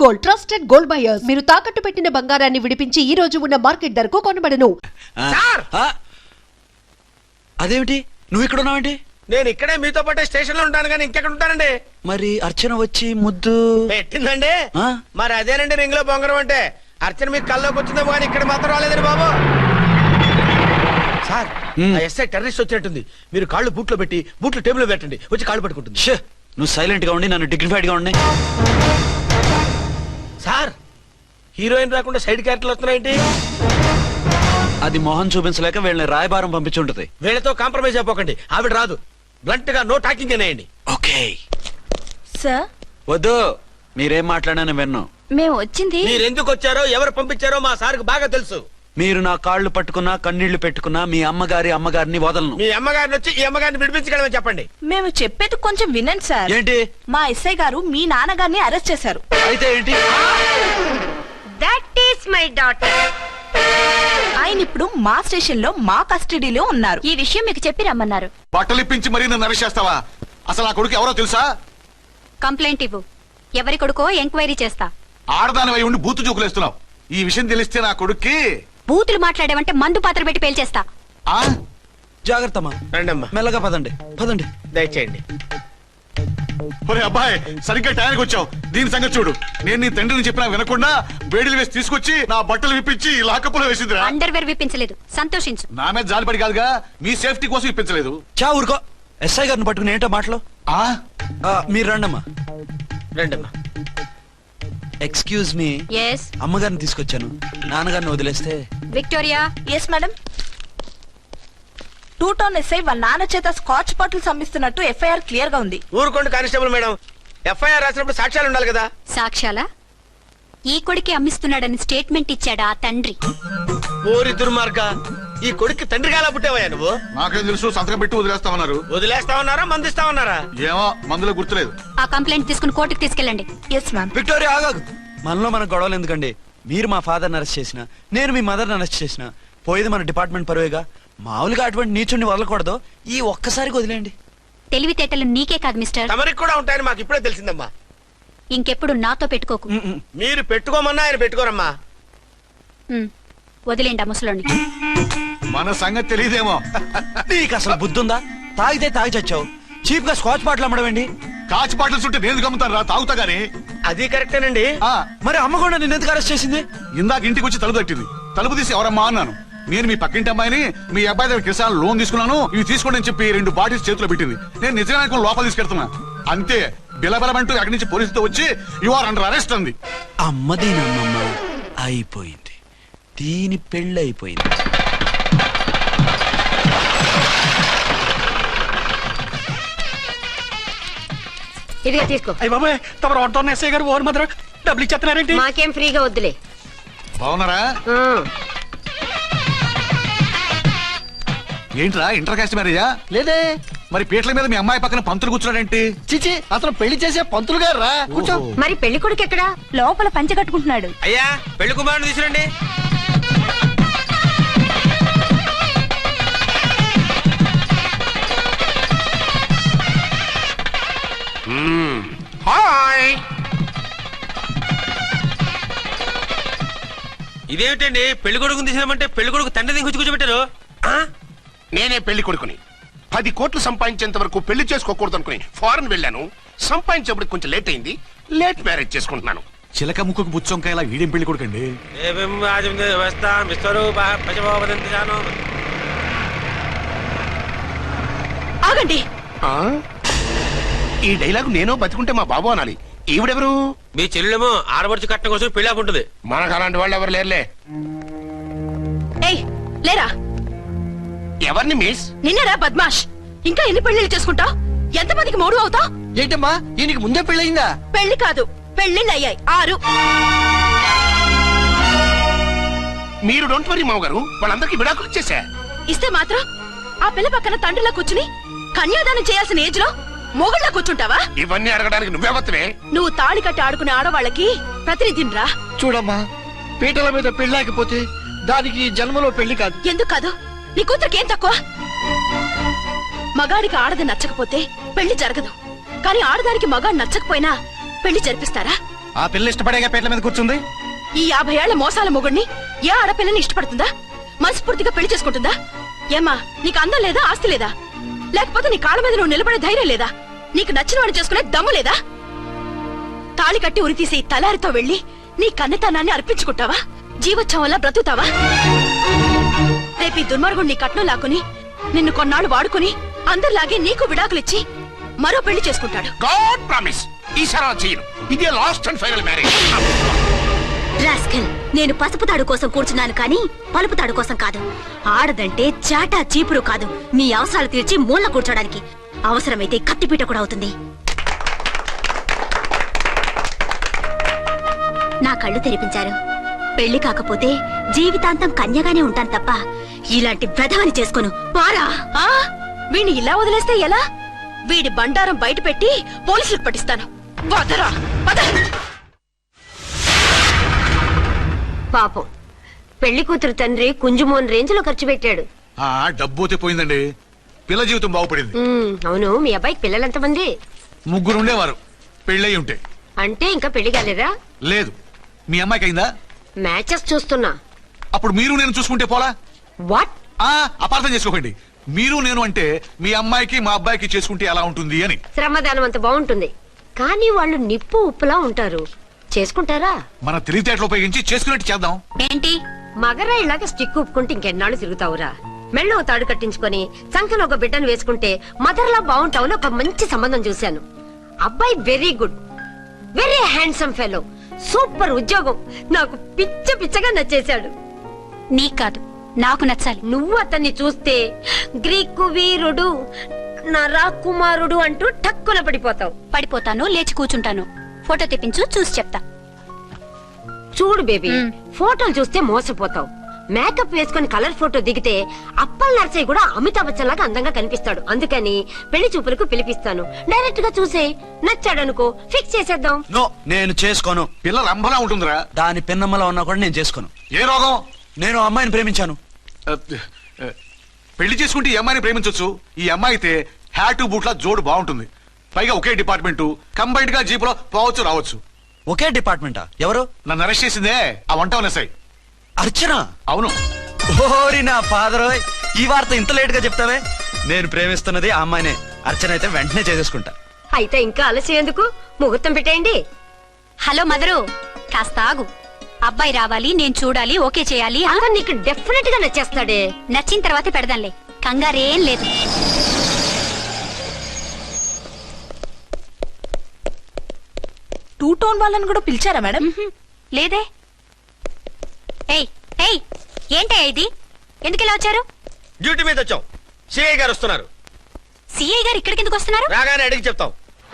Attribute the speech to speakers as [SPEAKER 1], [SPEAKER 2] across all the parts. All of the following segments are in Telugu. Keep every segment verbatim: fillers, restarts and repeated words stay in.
[SPEAKER 1] Gold trusted gold buyers. మీరు తాకట్టు పెట్టిన బంగారాన్ని విడిపించి ఈ రోజు ఉన్న మార్కెట్ ధరకు కొనబడను.
[SPEAKER 2] అదేమిటి నువ్వు ఇక్కడ ఉన్నావేంటి?
[SPEAKER 3] నేను ఇక్కడే మీతో పాటే స్టేషన్ లో ఉంటాను కానీ ఇంకెక్కడ ఉంటానండి.
[SPEAKER 2] మరి అర్చన వచ్చి ముద్దు
[SPEAKER 3] పెట్టిందండి. మరి అదేనండి రింగ్ లో బొంగరం అంటే. అర్చన మీకు కల్లోకి వచ్చిందేమో కానీ ఇక్కడ మాత్రం రాలేదండి బాబు. సార్ ఎస్ఐ టెర్రరిస్ట్ వచ్చినట్టుంది. మీరు కాళ్ళు బూట్లో పెట్టి బూట్లు టేబుల్ లో పెట్టండి, వచ్చి కాళ్ళు పట్టుకుంటుంది.
[SPEAKER 2] నువ్వు సైలెంట్ గా ఉండి నన్ను డిగ్నిఫైడ్ గా ఉండి.
[SPEAKER 3] సార్ హీరోయిన్ రాకుండా సైడ్ క్యారెక్టర్లు వస్తున్నాయేంటి?
[SPEAKER 2] అది మొహం చూపించలేక వీళ్ళని రాయబారం పంపించుంటది.
[SPEAKER 3] వీళ్ళతో కాంప్రమైజ్ అయిపోకండి, ఆవిడ రాదు. బ్లంట్ గా నో టాకింగ్ అనేయండి.
[SPEAKER 2] Okay
[SPEAKER 4] sir.
[SPEAKER 2] వద్దు, మీరేం మాట్లాడానని విన్ను.
[SPEAKER 4] మేము వచ్చింది
[SPEAKER 3] మీరు ఎందుకు వచ్చారో ఎవరు పంపించారో మా సార్కు బాగా తెలుసు.
[SPEAKER 2] మీరు నా కాళ్ళు పట్టుకున్నా కన్నీళ్లు పెట్టుకున్నా మీ అమ్మగారి అమ్మగారిని వదలను.
[SPEAKER 3] మీ అమ్మగారిని వచ్చి ఈ అమ్మగారిని విడిపించగలమని చెప్పండి.
[SPEAKER 4] మేము చెప్పేది కొంచెం వినండి సార్.
[SPEAKER 2] ఏంటి?
[SPEAKER 4] మా ఎస్ఐ గారు మీ నాన్నగారిని అరెస్ట్ చేశారు.
[SPEAKER 2] అయితే ఏంటి?
[SPEAKER 4] That is my daughter. ఆయన ఇప్పుడు మా స్టేషన్ లో మా కస్టడీలో ఉన్నారు. ఈ విషయం మీకు చెప్పి రమ్మన్నారు.
[SPEAKER 5] బట్టలిప్పించి మరీ నన్ను అరెస్ట్ చేస్తావా? అసలు ఆ కొడుకు ఎవరో తెలుసా?
[SPEAKER 6] కంప్లైంట్ ఇవ్వు. ఎవరి కొడుకో ఎంక్వైరీ చేస్తా.
[SPEAKER 5] ఆడదానివై ఉండి బూతు జోకులేస్తున్నావు. ఈ విషయం తెలిస్తే నా కొడుక్కి
[SPEAKER 6] బూతులు మాట్లాడేవంటే మందు పాత్ర పెట్టి పేల్చేస్తా.
[SPEAKER 5] ఆ
[SPEAKER 2] జాగ్రత్తమ్మా.
[SPEAKER 3] రండమ్మా.
[SPEAKER 2] మెల్లగా పదండి పదండి.
[SPEAKER 3] దయచేయండి.
[SPEAKER 5] ఒరే అబ్బాయి, సరిగ్గా టైంకి వచ్చావు. దీని సంగతి చూడు. నేను నీ తండ్రిని చెప్పినా వినకుండా వేడిలు వేసి తీసుకొచ్చి నా బట్టలు విప్పించి లాకప్పులో వేసిందిరా.
[SPEAKER 6] అండర్వేర్ విప్పించలేదు, సంతోషించు.
[SPEAKER 5] నా మీద జాలిపడి కాదుగా, మీ సేఫ్టీ కోసం ఇప్పించలేదు.
[SPEAKER 2] చా ఊరుకో. ఎస్ఐ గారిని పట్టుకుని ఏంటో మాటలు.
[SPEAKER 5] ఆ
[SPEAKER 2] మీరు రండమ్మా.
[SPEAKER 3] రండమ్మా.
[SPEAKER 2] Excuse me.
[SPEAKER 6] ఎస్.
[SPEAKER 2] అమ్మగారిని తీసుకొచ్చాను. నాన్నగారిని వదిలేస్తే.
[SPEAKER 6] Victoria.
[SPEAKER 4] Yes madam. Two town SI వాళ్ళ నాన్న చేత స్కాచ్ బాటిల్స్ అమ్మిస్తున్నట్టు ఎఫ్ఐఆర్ క్లియర్ గా ఉంది.
[SPEAKER 3] ఊరుకోండి కానిస్టేబుల్ మేడం. ఎఫ్ఐఆర్ రాసినప్పుడు సాక్ష్యాలు ఉండాలి కదా.
[SPEAKER 6] సాక్ష్యాలా? ఈ కొడుకే అమ్మిస్తున్నాడని స్టేట్మెంట్ ఇచ్చాడా ఆ తండ్రి?
[SPEAKER 3] ఓరి దుర్మార్గ, ఈ కొడుక్కి తండ్రిగా ఎలా పుట్టావయ్యా నువ్వు?
[SPEAKER 5] నాకేం తెలుసు, సంతకం పెట్టి వదిలేస్తామన్నారు.
[SPEAKER 3] వదిలేస్తామన్నారా మందిస్తామన్నారా?
[SPEAKER 5] ఏమో, మందులో గుర్తులేదు.
[SPEAKER 6] ఆ కంప్లైంట్ తీసుకుని కోర్టుకు తీసుకెళ్ళండి.
[SPEAKER 4] Yes ma'am.
[SPEAKER 2] విక్టోరియా ఆగాగు. మనలో మన గొడవలు ఎందుకండి? మీరు మా ఫాదర్ని అరెస్ట్ చేసిన, నేను మీ మదర్ని అరెస్ట్ చేసిన, పోయేది మన డిపార్ట్మెంట్ పరువేగా. మామూలుగా అటువంటి నీచుని వదలకూడదు. ఈ ఒక్కసారికి వదిలేండి.
[SPEAKER 6] తెలివితేటలు నీకే కాదు మిస్టర్,
[SPEAKER 3] తమరికి కూడా ఉంటాయని మాకు ఇప్పుడే తెలిసిందమ్మా.
[SPEAKER 6] ఇంకెప్పుడు నాతో పెట్టుకోకు.
[SPEAKER 3] మీరు పెట్టుకోమన్నా ఆయన పెట్టుకోరమ్మా.
[SPEAKER 6] ఉమ్, వదిలేండి ఆ ముసలోని.
[SPEAKER 5] మన సంగతి తెలియదేమో.
[SPEAKER 2] నీకు అసలు బుద్ధుందా? తాగితే తాగి చచ్చావు. చీప్ గా స్కాచ్ బాటిల్ అమ్మడమేంటి?
[SPEAKER 5] కాచి బాటిల్స్ ఉంటే నేను గమ్ముతాను రా, తాగుతా గానీ.
[SPEAKER 3] అది కరెక్టేనండి.
[SPEAKER 2] మరి అమ్మ కూడా నిన్ను ఎందుకు అరెస్ట్ చేసింది?
[SPEAKER 5] ఇందాక ఇంటికి వచ్చి తలుపు తట్టింది. తలుపు తీసి ఎవరమ్మా అన్నాను. నేను మీ పక్కింటి అమ్మాయిని, మీ అబ్బాయి దగ్గర కిసాన్ లోన్ తీసుకున్నాను, ఇవి తీసుకోండి అని చెప్పి రెండు బాటిల్స్ చేతిలో పెట్టింది. నేను నిజంగా లోపల తీసుకెళ్తున్నా. అంతే, బిలబలమంటూ అక్కడి నుంచి పోలీసుతో వచ్చి యు ఆర్ అండర్ అరెస్ట్ అంది.
[SPEAKER 2] అమ్మ దీనమ్మమ్మ అయిపోయింది. దీని పెళ్ళి అయిపోయింది.
[SPEAKER 7] ఇదిగా తీసుకో.
[SPEAKER 8] అయ్య బాబాయ్, తమరు ఆటో ఎస్ఐ గారు ఓవర్ మాత్రం డబ్బులు ఇచ్చేస్తున్నారేంటి?
[SPEAKER 7] మాకేం ఫ్రీగా వద్దులే.
[SPEAKER 5] బాగున్నారా? ఏంట్రా ఇంటర్ కాస్ట్ మ్యారేజా?
[SPEAKER 8] లేదే.
[SPEAKER 5] మరి పీటల మీద మీ అమ్మాయి పక్కన పంతులు కూర్చున్నాడేంటి?
[SPEAKER 8] చిచి, అతను పెళ్లి చేసే పంతులు గారు రా. కూర్చో.
[SPEAKER 7] మరి పెళ్లి కొడుకు ఎక్కడా?
[SPEAKER 4] లోపల పంచె కట్టుకుంటున్నాడు.
[SPEAKER 3] అయ్యా, పెళ్లి కుమారుని తీసుకురండి. హాయ్. ఇదేమిటండి, పెళ్లి కొడుకుని తీసినామంటే పెళ్లి కొడుకు తండ్రి దిగి కూర్చోబెట్టారు.
[SPEAKER 9] నేనే పెళ్లి కొడుకుని. పది కోట్లు సంపాదించేంత వరకు పెళ్లి చేసుకోకూడదు అనుకుని ఫారెన్ వెళ్ళాను. సంపాదించేప్పుడు కొంచెం లేట్ అయింది. లేట్ మ్యారేజ్ చేసుకుంటున్నాను.
[SPEAKER 5] చిలక ముక్కుకు బుచ్చొంకాయలా వీడేం పెళ్లి కొడుకండి?
[SPEAKER 4] ఆగండి.
[SPEAKER 9] ఈ డైలాగ్ నేనో బతికుంటే మా బాబు అనాలి. ఈవిడెవరు?
[SPEAKER 3] మీ చెల్లెమో ఆడబడుచు కట్టడం కోసం పెళ్లి ఆపుంటుంది.
[SPEAKER 9] మనకు అలాంటి వాళ్ళు ఎవరు లేరులే.
[SPEAKER 4] ఏయ్ లేరా.
[SPEAKER 9] ఎవరిని మిస్?
[SPEAKER 4] నిన్నరా బద్మాష్. ఇంకా ఎన్ని పెళ్లిళ్ళు చేసుకుంటావు? ఎంతమందికి మూడు అవుతావు?
[SPEAKER 8] ఏంటమ్మా, ఈయనకి ముందే పెళ్ళయిందా?
[SPEAKER 4] పెళ్లి కాదు, పెళ్లిళ్ళు అయ్యాయి ఆరు.
[SPEAKER 9] మీరు డోంట్ వరీ మామగారు, వాళ్ళందరికీ విడాకులు ఇచ్చేసా.
[SPEAKER 4] ఇస్తే మాత్రం ఆ పిల్ల పక్కన తండ్రిలా కూర్చుని కన్యాదానం చేయాల్సిన ఏజ్ లో మొగుళ్ళ కూర్చుంటావా?
[SPEAKER 9] ఇవన్నీ అడగడానికి నువ్వెవత్తవే?
[SPEAKER 4] నువ్వు తాళి కట్టి ఆడుకునే ఆడవాళ్ళకి ప్రతినిధిరా.
[SPEAKER 8] చూడమ్మా, పీటల మీద పెళ్ళాకపోతే దానికి జన్మలో పెళ్లి కాదు.
[SPEAKER 4] ఎందుకు కాదు? నీ కూతురికి ఏం తక్కువ? మగాడికి ఆడది నచ్చకపోతే పెళ్లి జరగదు. కానీ ఆడదానికి మగాడు నచ్చకపోయినా పెళ్లి జరిపిస్తారా?
[SPEAKER 8] ఆ పిల్ల ఇష్టపడేగా పీటల మీద కూర్చుంది.
[SPEAKER 4] ఈ యాభై ఏళ్ల మోసాల మొగుడిని ఏ ఆడపిల్లని ఇష్టపడుతుందా? మనస్ఫూర్తిగా పెళ్లి చేసుకుంటుందా? ఏమా నీకు అందం లేదా, ఆస్తి లేదా? లేకపోతే నీ కాళ్ళ మీద నువ్వు నిలబడే ధైర్యం లేదా? నీకు నచ్చిన వాడు చేసుకునే దమ్ము లేదా? తాళి కట్టి ఉరితీసి తలారితో వెళ్లి నీ కన్నెతనాన్ని అర్పించుకుంటావా? జీవోత్సవంలా బ్రతుకుతావా? రేపు ఈ దుర్మార్గుడు నీ కట్నం లాక్కుని నిన్ను కొన్నాళ్ళు వాడుకుని అందరిలాగే నీకు విడాకులిచ్చి మరో పెళ్లి చేసుకుంటాడు.
[SPEAKER 9] గాడ్ ప్రామిస్ ఈసారి అలా చేయను. ఇదే last and final marriage.
[SPEAKER 7] Rascal, నేను పసుపు తాడు కోసం కూర్చున్నాను కానీ పలుపు తాడు కోసం కాదు. ఆడదంటే చాటా చీపురు కాదు, నీ అవసరాలు తీర్చి మూల కూర్చోడానికి. అవసరమైతే కత్తిపీట కూడా అవుతుంది. నా కళ్ళు తెరిపించారు. పెళ్లి కాకపోతే జీవితాంతం కన్యగానే ఉంటాను తప్ప ఇలాంటి ప్రధాని చేసుకోను. పారా
[SPEAKER 4] ఆ వీణ్ణి ఇలా వదిలేస్తే ఎలా? వీడి బండారం బయట పెట్టి పోలీసులకు పట్టిస్తాను. వదరా వద.
[SPEAKER 7] పాపం, పెళ్లి కూతురు తండ్రి కుంజుమోన్ రేంజ్ లో ఖర్చు పెట్టాడు.
[SPEAKER 5] ఆ డబ్బు పోయిందండి. పిల్ల జీవితం బాగుపడింది.
[SPEAKER 7] ఉమ్, అవును, మీ అబ్బాయికి పిల్లలు ఎంతమంది?
[SPEAKER 5] ముగ్గురు ఉండేవారు, పెళ్ళయి ఉంటే.
[SPEAKER 7] అంటే ఇంకా పెళ్లి కాలేదా?
[SPEAKER 5] లేదు. మీ అమ్మాయికి అయిందా?
[SPEAKER 7] మ్యాచెస్ చూస్తున్నా.
[SPEAKER 5] అప్పుడు మీరు నేను చూసుకుంటే పోలా?
[SPEAKER 7] వాట్?
[SPEAKER 5] ఆ అపార్థం చేసుకోకండి. మీరు నేను అంటే మీ అమ్మాయికి మా అబ్బాయికి చేసుకుంటే ఎలా ఉంటుంది అని.
[SPEAKER 7] శ్రమదానం అంత బాగుంటుంది, కానీ వాళ్ళు నిప్పు ఉప్పులా ఉంటారు. చేసుకుంటారా?
[SPEAKER 5] మన తెలివితేటలు ఉపయోగించి చేసుకున్నట్టు చేద్దాం.
[SPEAKER 6] ఏంటి
[SPEAKER 7] మగరా ఇలాగ స్టిక్ ఉప్పుకుంటే ఇంకెన్నాళ్ళు తిరుగుతావురా? మెళ్ళో తాడు కట్టించుకొని సంఖ్యలో ఒక బిడ్డను వేసుకుంటే మదర్లా బాగుంటావు. ఒక మంచి సంబంధం చూశాను. అబ్బాయి very good, very handsome fellow, super ఉద్యోగం. నాకు పిచ్చ పిచ్చగా నచ్చేశాడు.
[SPEAKER 6] నీకు కాదు, నాకు నచ్చాలి.
[SPEAKER 7] నువ్వు అతన్ని చూస్తే గ్రీకు వీరుడు, నా రాకుమారుడు అంటూ టక్కున పడిపోతావు.
[SPEAKER 6] పడిపోతాను, లేచి కూర్చుంటాను. ఫోటో తెప్పించు, చూసి చెప్తా.
[SPEAKER 7] చూడు బేబీ,
[SPEAKER 6] మ్.
[SPEAKER 7] ఫోటోలు చూస్తే మోసపోతావు. మేకప్ వేసుకుని కలర్ ఫోటో దిగితే అప్పల్ నర్సయ్య కూడా అమితాబ్ బచ్చన్ లాగా అందంగా కనిపిస్తాడు. అందుకని పెళ్లి చూపులకు పిలిపిస్తాను. డైరెక్ట్ గా చూసే నచ్చాడనుకో ఫిక్స్ చేసేద్దాం.
[SPEAKER 2] నో, నేను చేసుకోను.
[SPEAKER 5] పిల్ల రంభలా ఉంటుందిరా.
[SPEAKER 2] దాని పిన్నమ్మలా ఉన్నా కూడా నేను చేసుకోను.
[SPEAKER 5] ఏ రోగం?
[SPEAKER 2] నేను ఆ అమ్మాయిని ప్రేమించాను.
[SPEAKER 5] పెళ్లి చేసుకుంటే ఈ అమ్మాయిని ప్రేమించొచ్చు. ఈ అమ్మాయి అయితే హ్యాటు బూట్ల జోడు బాగుంటుంది. పైగా ఒకే డిపార్ట్మెంట్, కంబైన్డ్ గా జీపులో పోవచ్చు రావచ్చు.
[SPEAKER 2] ఒకే డిపార్ట్మెంటా? ఎవరు?
[SPEAKER 5] నన్ను అరెస్ట్ చేసిందే ఆ వంట ఎస్ఐ.
[SPEAKER 2] అర్చన?
[SPEAKER 5] అవును.
[SPEAKER 2] ఓరి నా ఫాదర్, ఈ వార్త ఇంత లేట్ గా చెప్తావే. నేను ప్రేమిస్తున్నది ఆ అమ్మాయినే. అర్చన అయితే వెంటనే చేసేసుకుంటా.
[SPEAKER 7] అయితే ఇంకా ఆలస్యం ఎందుకు? ముహూర్తం పెట్టేయండి.
[SPEAKER 6] హలో మదరు, కాస్త ఆగు. అబ్బాయి రావాలి, నేను చూడాలి, ఓకే చేయాలి. ఆ?
[SPEAKER 7] అతను నీకు డెఫినెట్ గా నచ్చేస్తాడే.
[SPEAKER 6] నచ్చిన తర్వాతే పెడదాంలే, కంగారేం లేదు.
[SPEAKER 4] టూ టోన్ వాళ్ళని కూడా పిలిచారా మేడం?
[SPEAKER 6] మ్హూ. లేదే. ఏయ్ ఏయ్ ఏంటే ఇది? ఎందుకు ఇలా వచ్చారు?
[SPEAKER 3] డ్యూటీ మీద వచ్చాం. సిఐ గారు వస్తున్నారు.
[SPEAKER 6] సిఐ గారు ఇక్కడికి ఎందుకు వస్తున్నారు?
[SPEAKER 3] రాగానే అడిగి చెప్తాం.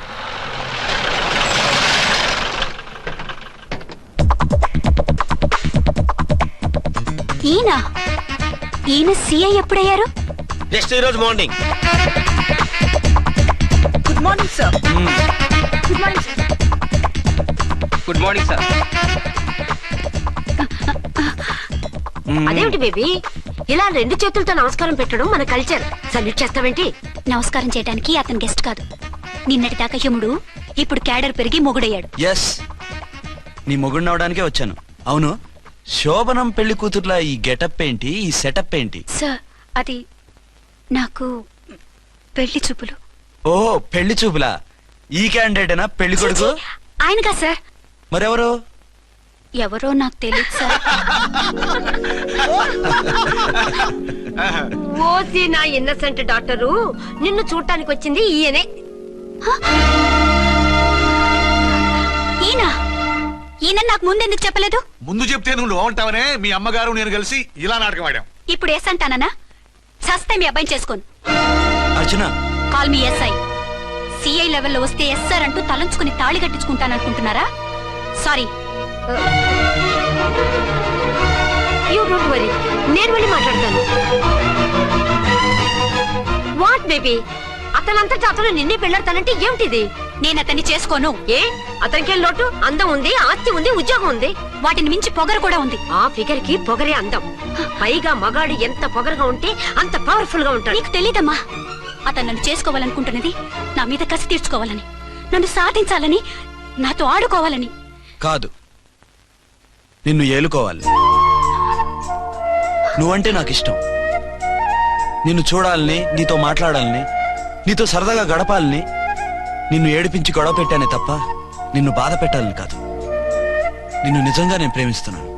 [SPEAKER 6] ఈయన ఈయన సిఐ ఎప్పుడయ్యారు?
[SPEAKER 3] నెక్స్ట్ ఈ రోజు morning.
[SPEAKER 4] Good morning sir. Good morning sir.
[SPEAKER 10] Good morning sir.
[SPEAKER 7] అదేమిటి బేబీ, ఇలా రెండు చేతులతో నమస్కారం పెట్టడం మన కల్చర్. సల్యూట్ చేస్తావేంటి?
[SPEAKER 6] నమస్కారం చేయడానికి అతను గెస్ట్ కాదు. నిన్నటి దాకా యముడు, ఇప్పుడు క్యాడర్ పెరిగి మొగుడయ్యాడు.
[SPEAKER 2] ఎస్, నీ మొగుడిని అవడానికే వచ్చాను. అవును, శోభనం పెళ్లి కూతుర్లా ఈ గెటప్ ఏంటి, ఈ సెటప్ ఏంటి?
[SPEAKER 6] సార్, అది నాకు పెళ్లి చూపులు.
[SPEAKER 2] ఓ, పెళ్లి చూపులా? ఈ క్యాండిడేటేనా పెళ్లి కొడుకు?
[SPEAKER 6] ఆయనగా సార్.
[SPEAKER 2] మరెవరు?
[SPEAKER 6] ఎవరో నాకు తెలియదు సార్.
[SPEAKER 7] ఓసి నా ఇన్నసెంట్ డాక్టరు, నిన్ను చూడటానికి వచ్చింది ఈయనే.
[SPEAKER 6] ఈయన ఈయన నాకు ముందెందుకు చెప్పలేదు?
[SPEAKER 5] ముందు చెప్తే నువ్వు బాగుంటావనే మీ అమ్మగారు నేను కలిసి ఇలా నాటకం ఆడాం.
[SPEAKER 6] ఇప్పుడు ఎస్ అంటానా? సస్తే మీ అబ్బాయిని చేసుకోను.
[SPEAKER 2] అర్చన,
[SPEAKER 6] కాల్ మీ ఎస్ఐ. సిఐ లెవెల్లో వస్తే ఎస్ఆర్ అంటూ తలంచుకుని తాళి కట్టించుకుంటాననుకుంటున్నారా? సారీ.
[SPEAKER 7] యూ డోంట్ వరీ, నేను వెళ్ళి మాట్లాడతాను. వాట్ బేబీ, అతనంతటా అతను నిన్నే పెళ్ళాడతానంటే ఏమిటిది?
[SPEAKER 6] నేను అతన్ని చేసుకోను.
[SPEAKER 7] ఏ, అతనికేం లోటు? అందం ఉంది, ఆస్తి ఉంది, ఉద్యోగం ఉంది.
[SPEAKER 6] వాటిని మించి పొగరు కూడా ఉంది.
[SPEAKER 7] ఆ ఫిగర్ కి పొగరే అందం. పైగా మగాడు ఎంత పొగరుగా ఉంటే అంత పవర్ఫుల్ గా ఉంటాడు.
[SPEAKER 6] నీకు తెలీదమ్మా, అతను నన్ను చేసుకోవాలనుకుంటున్నది నా మీద కసి తీర్చుకోవాలని, నన్ను సాధించాలని, నాతో ఆడుకోవాలని.
[SPEAKER 2] కాదు, నిన్ను ఏలుకోవాలి. నువ్వంటే నాకు ఇష్టం. నిన్ను చూడాలని, నీతో మాట్లాడాలని, నీతో సరదాగా గడపాలని, నిన్ను ఏడిపించి గొడవ పెట్టానే తప్ప నిన్ను బాధ పెట్టాలని కాదు. నిన్ను నిజంగా నేను ప్రేమిస్తున్నాను.